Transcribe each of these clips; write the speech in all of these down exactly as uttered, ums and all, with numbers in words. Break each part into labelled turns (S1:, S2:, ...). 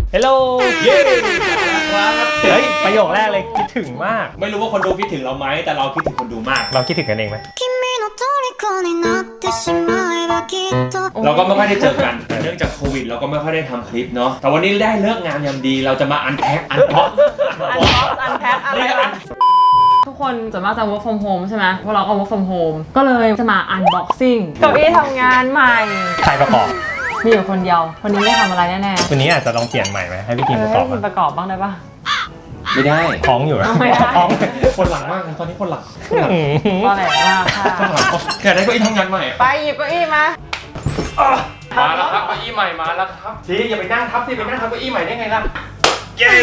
S1: ฮัลโหลเย้ครับเฮ้ยประโยคแรกเลยคิดถึงมาก
S2: ไม่รู้ว่าคนดูคิดถึงเราไหมแต่เราคิดถึงคนดูมาก
S1: เราคิดถึงกันเองไหม
S2: เราก็ไม่ค่อยได้เจอกันแต่เนื่องจากโควิดเราก็ไม่ค่อยได้ทำคลิปเนาะแต่วันนี้ได้เลิกงามยามดีเราจะมาอันแพ็คอันพ็อก
S3: อันพ็อกอันแพ็คอะไรวะทุกคนส่วนมากจะ work from home ใช่ไหมพวกเราก็ work from home ก็เลยจะมา unboxing เก้าอี้ทำงานใหม่
S1: ใครประกอบ
S3: มีอยู่คนเดียวคนนี้ไม่ทำอะไรแน่ๆ
S1: วันนี้อาจจะลองเปลี่ยนใหม่ไหมให้พี่กินประกอบ
S3: ให้คุณประกอบบ้างได้ปะ
S2: ไม่ได้
S1: ท้องอยู่นะ
S3: ท้อง
S2: คนหลังมากตอนนี้คนหลัง
S3: ก็แหละมากค่ะ
S2: แค่ได้เก้าอี้ทำงานใหม่
S3: ไปหยิบเก้าอี้มา
S2: มาแล้วครับเก้าอี้ใหม่มาแล้วครับสิอย่าไปนั่งทับสิไปนั่งทับเก้าอี้ใหม่ได้ไงล่ะเย้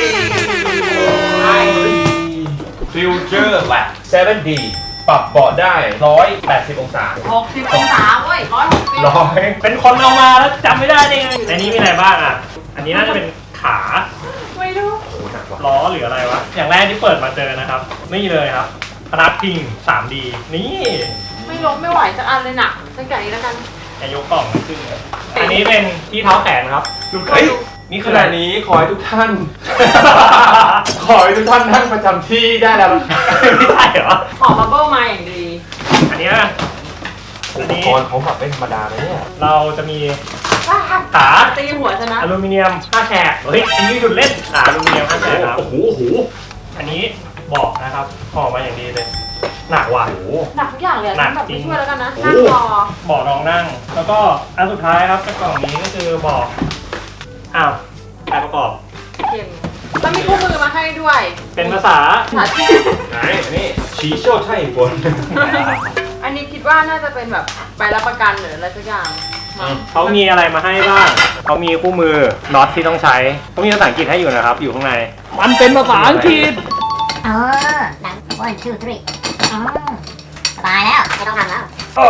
S2: ฟิวเจอร์แลบ เซเว่น ดี ปรับเบาะได้หนึ่งร้อยแปดสิบองศา
S3: หกสิบองศาเว้ยหนึ่งร้อยหกสิบ
S1: ร้อยเป็นคนเอามาแล้วจำไม่ได้ได้ไงในนี้มีอะไรบ้างอ่ะอันนี้น่าจะเป็นขา
S3: ไม่รู้
S1: ล้อหรืออะไรวะอย่างแรกที่เปิดมาเจอนะครับนี่เลยครับพนักพิง ทรี ดี นี่
S3: ไม่ล้มไม่ไหวสักอันเลยน่ะสักอย่างนี้แล้วกัน
S1: จะยกกล่องมาขึ้นอันนี้เป็นที่เท้าแขนครับ
S2: ดูเฮ้ยนี่ขณะนี้ขอให้ทุกท่านขอให้ทุกท่านนั่งประจำที่ได้แล้ว
S1: ไม่ได้เหรอ
S3: ขอบับเบิ้ลมาอย่างดี
S1: อันนี้
S2: อุปกรณ์เขาแบบไม่ธรรมดาเลยเนี่ย
S1: เราจะมีขา
S3: ตีหัวชนะ
S1: อลูมิเนียมห้าแฉกเฮ้ยอันนี้หยุดเล่นขาอลูมิเนียมห้าแฉกครับ
S2: โอ้โหโอ้โห
S1: อันนี้บอกนะครับห่อมาอย่างดีเลยหนักว่ะ
S3: หนักทุกอย่างเลยแบบไม่ช่วยแล้วกันนะนั่งรอ
S1: บอกรองนั่งแล้วก็อันสุดท้ายครับกล่องนี้ก็คือบอกอ้าวใครประกอบ
S3: เก่งแล้วมีคู่มือมาให้ด้วย
S1: เป็นภาษา
S3: ภาษาจีน
S2: ไหนนี่ชีโช่ไช่บน
S3: อันนี้คิดว่าน่าจะเป็นแบบใบรับประกันหรืออะไรสักอย่าง
S1: เขามีอะไรมาให้บ้างเขามีคู่มือน็อตที่ต้องใช้เขามีภาษาอังกฤษให้อยู่นะครับอยู่ข้างในมันเป็นภาษาอังกฤษ
S4: เออหนัง one two three อ๋อสบายแล้วไม่ต้องทำแล้ว
S1: อ๋อ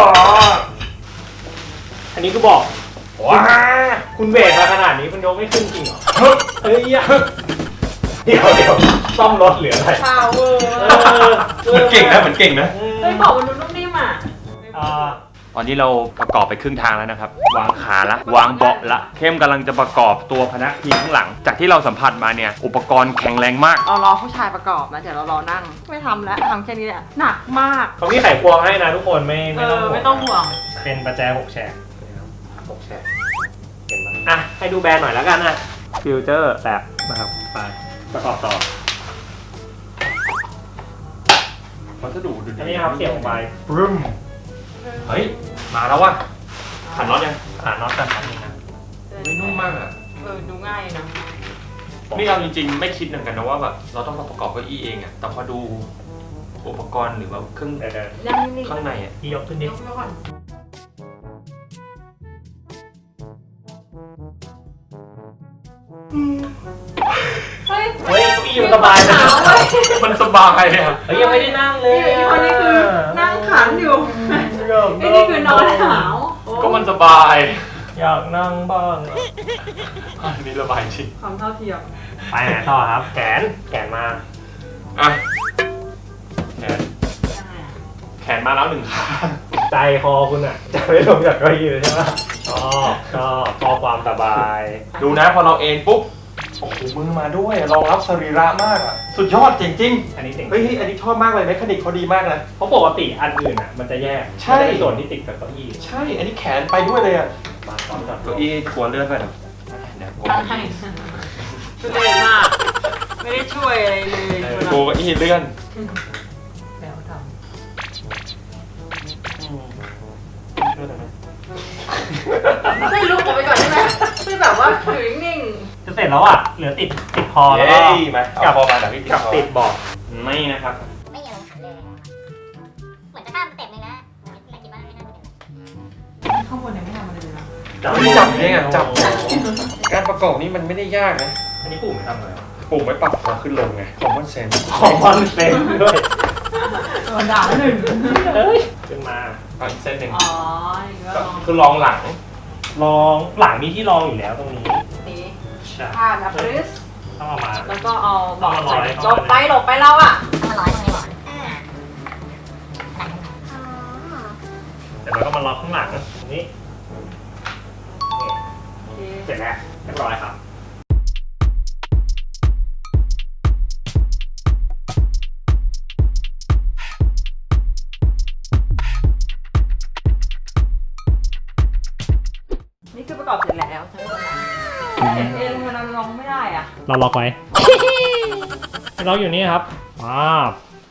S1: อันนี้ก็บอกว้าคุณเบรกมาขนาดนี้คุณยกไม่ขึ้นจริงเหรอเฮ้ยเดี๋ยวเดี๋ยวซ่อมรถเหลืออะไร
S3: พาวเวอร์
S2: เหมือนเก่งนะเหมือนเก่งนะ
S3: เฮ้ยบอกมันดูนุ่มนิ่มอ่ะ
S2: ตอนนี้เราประกอบไปครึ่งทางแล้วนะครับวางขาละวางเบาะละเข้มกำลังจะประกอบตัวพนักพิงข้างหลังจากที่เราสัมผัสมาเนี่ยอุปกรณ์แข็งแรงมาก
S3: เรารอผู้ชายประกอบนะเดี๋ยวเรารอนั่งไม่ทำแล้วทำแค่นี้แหละหนักมาก
S1: เขามีไขควงให้นะทุกคนไม่ไม่ต้องห่วง
S3: ไม่ต้องห่วง
S1: เป็นประแจหกแฉกหกแฉกเห็นไหมอ่ะให้ดูแบรนด์หน่อยแล้วกันนะฟิวเจอร์แบบนะครับไปประกอบต่อ
S2: วัสดุดูดี
S1: อันนี้ครับเสียบออกไปปรึ้มเฮ้ยมาแล้วว่ะขันน็อตยังขันน็อตกันขันนี้นะ
S2: ไม่นุ่มมากอ่ะ
S3: เออดูง่ายนะ
S2: นี่เราจริงๆไม่คิดเหมือนกันนะว่าแบบเราต้องมาประกอบเก้าอี้เองอ่ะแต่พอดูอุปกรณ์หรือว่าเครื่องข้างในอ่ะ
S1: ที่ยกขึ้นนิด
S3: เฮ้ย
S1: เฮ้ยเก้าอี้มันสบายนะ
S2: มันสบายอ่ะ
S1: เฮ้ยยังไม่ได้นั่งเลย
S3: ไอ้คนนี้คือนั่งขันอยู่ไอ้นี่คือนอนหาว
S2: ก็มันสบาย
S1: อยากนั่งบ้าง
S2: อันนี้ระบายจริง
S3: ความเท่าเทียม
S1: ไปไหนต่อครับแขนแขนมา
S2: อ่ะแขนแขนมาแล้วหนึ่งขา
S1: ใจคอคุณอ่ะจะไม่ลงจากเก้าอี้เลยใช่ไหมชอบชอบชอบความสบาย
S2: ดูนะพอเราเอนปุ๊บโอ้โหมือมาด้วยรองรับสรีระมากอ่ะสุดยอดจริงๆ
S1: อันนี้จริง
S2: เฮ้ยอันนี้ชอบมากเลยเมคานิกเขาดีมากนะ
S1: เพราะปกติอันอื่นอ่ะมันจะแยก
S2: ใช่
S1: ส่วนที่ติดกับเก้าอี้
S2: ใช่อันนี้แขนไปด้วยเลยอ่ะ
S1: มาตอนจับ
S2: เก้าอี้กลัวเลื่อนไปหรอ
S3: เดี๋ยวช่วยมากไม่ได้ช่วยอะไรเลย
S2: กลัวเก้าอี้เลื่อน
S3: แล้วทำช่วยลุกออกไปก่อนได้ไหมช่วยแบบว่าถือนิ่ง
S1: จะเสร็จแล้วอ่ะเหลือติดติดพอแล้วก็
S2: กลับพอมาแต่พี่
S1: กับติดบอกไม่นะครับ
S4: ไม่ยังขันเลยเหมือนจะข้ามสเต็ปนึงนะแต่คิดว่าไม่น่าจะ
S3: ข้างบนยังไม่ทำอะไรเลยนะ
S2: จับจับเนี่ยจับการประกอบนี้มันไม่ได้ยากนะ
S1: อันนี้ปุ่มไม่ทำอะไร
S2: ปุ่มไว้ปรับความขึ้นลงไง common sense
S1: common sense ด้วย
S3: โดนด่าหนึ่ง
S1: เฮ้ยขึ้นมา
S2: เอาอีกเส้นหนึ่ง
S3: อ๋อ
S2: คือรองหลัง
S1: รองหลังมีที่รองอยู่แล้วตรงนี้
S3: นี่ผ้านะพริส
S1: ต้องเอามา
S3: แล้วก็เอาบอกใส่หลบไปหลบไปเราอ่ะ
S4: ต้องมาร้อยตรงนี้ก่อน
S1: แต่เราก็มาล็อกข้างหลังตรงนี้เสร็จแล้วเรียบร้อยครับ
S3: คือประกอบเสร็จแล้วใช่ไหมเห็นเองมันเราลองไม่ได้อ่ะ
S1: เราล็อกไว้ ล็อกอยู่นี่ครับว้าว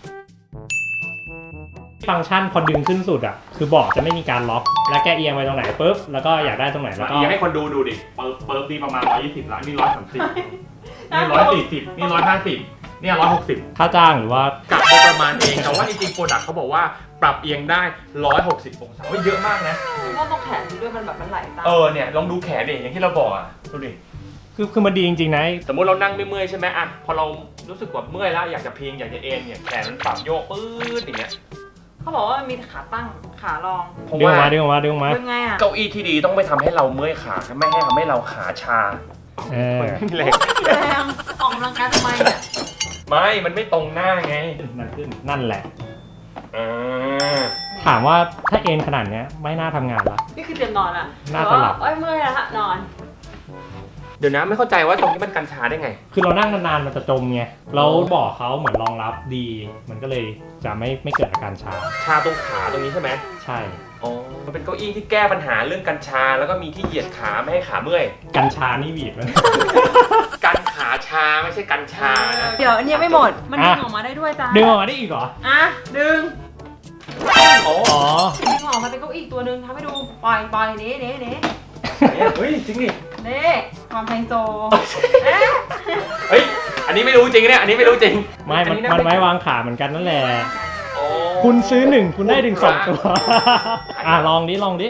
S1: ฟังก์ชันพอดึงขึ้นสุดอ่ะคือเบาะจะไม่มีการล็อก แล้วแกเอียงไปตรงไหนปุ๊บแล้วก็อยากได้ตรงไหนแล้วก็
S2: อยากให้คนดูดูดิเปิร์เปิร์ดีประมาณร้อยยี่สิบละนี่ร้อยสามสิบนี่ร้อยสี่สิบนี่ร้อยห้าสิบนี่ร้อยหกสิบ
S1: ค่าจ้างหรือว่าก
S2: ะได้ประมาณเองแต่ว่าจริงๆโปรดักต์เขาบอกว่าปรับเอียงได้ร้อยหกสิบองศาเยอะมากนะ
S3: เพราะตรงแขนด้วยมันแบบมันไหลตาม
S2: เออเนี่ยลองดูแขนดิอย่างที่เราบอกอ่ะดูดิ
S1: คือคือมันดีจริงๆนะ
S2: สมมติเรานั่งไม่เมื่อยใช่ไหมอ่ะพอเรารู้สึกว่าเมื่อยแล้วอยากจะพิงอยากจะเอนเนี่ยแขนมันปรับโยกปื๊ดอย่างเงี้ย
S3: เขาบอกว่ามันมีขาตั้งขารอง
S2: เพราะ
S1: ดึงออก
S2: ว่า
S1: มาดึงออกมาดึงออกมา
S3: เป็นไงอ่ะ
S2: เก้าอี้ที่ดีต้องไม่ทำให้เราเมื่อยขาไม่ให้ทำให้เราขาชา
S1: เออ
S2: ไม่มีแรง
S3: แรงออกกำลังกายทำไมเนี่ย
S2: ไม่มันไม่ตรงหน้าไง
S1: มันขึ้นนั่นแหละ
S2: อ่า
S1: ถามว่าถ้าเอ็นขนาดเนี้ยไม่น่าทำงานละ
S3: นี่คือเตรียมนอนอ่ะ
S1: น่าจะหลับ
S3: เอ้ยเมื่อยแล้วฮะนอน
S2: เดี๋ยวนะไม่เข้าใจว่าตรงนี้มันกันชาได้ไง
S1: คือเรานั่งนานๆมันจะจมไงแล้วเบาะเขาเหมือนรองรับดี มันก็เลยจะไม่ไม่เกิดอาการชา
S2: ชาตรงขาตรงนี้ใช่ไหม
S1: ใช่
S2: อ๋อมันเป็นเก้าอี้ที่แก้ปัญหาเรื่องกันชาแล้วก็มีที่เหยียดขาไม่ให้ขาเมื่อย
S1: กัญชานี่บีบมัน
S2: กันขาชาไม่ใช่กันชานะ
S3: เดี๋ยวอันนี้ยังไม่หมด มันดึง
S1: อ่ะ
S3: ออกมาได้ด้วยจ้า
S1: ดึงออกมาได้อีกเหรอ
S3: อ่ะดึง
S2: อ๋อ
S1: อ๋อ
S3: ดึงออกมาเป็นเก้าอี้อีกตัวหนึ่งทำให้ดูปล่อยปล่อยนี้นี้นี้
S2: เฮ้ยจริงดิ
S3: นี่ความไฮโซเอ๊ะ
S2: เฮ้ยอันนี้ไม่รู้จริงเนี่ยอันนี้ไม่รู้จริง
S1: ไม่มันมันไว้วางขาเหมือนกันนั่นแหละ
S2: โอ้
S1: คุณซื้อหนึ่งคุณได้ถึงสองตัว อ่ะลองดิลองดิ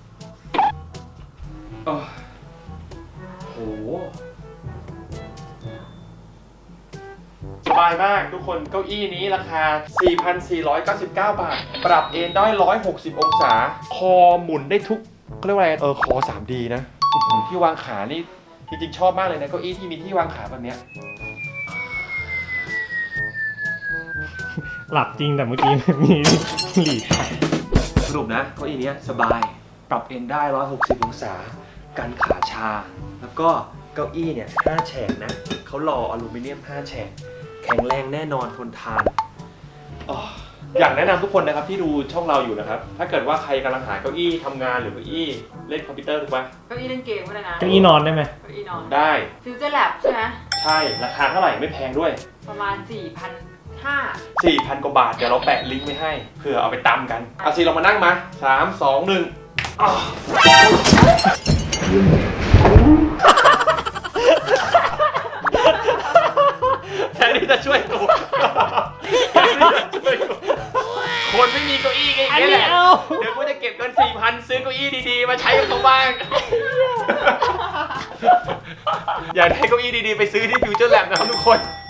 S2: โอ้โหสบายมากทุกคนเก้าอี้นี้ราคา สี่พันสี่ร้อยเก้าสิบเก้า บาท ปรับเอนได้ หนึ่งร้อยหกสิบ องศา คอหมุนได้ทุกเขาเรียกว่าอะไรเออคอ ทรี ดี นะอื้อหือที่วางขานี่จริงๆชอบมากเลยนะเก้าอี้ที่มีที่วางขาแบบเนี้ย
S1: หลับจริงแต่เมื่อกี้ มีหลีกไป
S2: สรุปนะเก้าอี้เนี้ยสบายปรับเอนได้หนึ่งร้อยหกสิบองศากันขาชา แล้วก็เก้าอี้เนี่ยห้าแฉกนะเขาหล่ออลูมิเนียมห้าแฉกแข็งแรงแน่นอนทนทานอ๋ออยากแนะนำทุกคนนะครับที่ดูช่องเราอยู่นะครับถ้าเกิดว่าใครกำลังหาเก้าอี้ทำงานหรือเก้าอี้เล่นคอมพิวเตอร์ถูกปะ
S3: เก้าอี้เล่นเกมก็ได้นะ
S1: เก้าอี้นอนได้ไหม
S3: เก้าอี้นอน
S2: ได้
S3: ฟิวเจอร์แลบใช่ไหม
S2: ใช่ราคาเท่าไหร่ไม่แพงด้วย
S3: ประมาณสี่พันห้า
S2: สี่พัน กว่าบาทเดี๋ยวเราแปะลิงก์ไว้ให้เผื่อเอาไปตำกันเอาสิเรามานั่งมาสาม สอง หนึ่งอ้าวแทนที่จะช่วยกูแทนที่จะช่วยกูคนไม่มีเก้าอี้ไง
S1: อัน
S2: แห
S1: นี้
S2: ละ
S1: เอา
S2: เดี๋ยวกูจะเก็บเงิน สี่พัน ซื้อเก้าอี้ดีๆมาใช้กับเขาบ้างอยากได้เก้าอี้ดีๆไปซื้อที่ฟิวเจอร์แลบนะครับทุกคน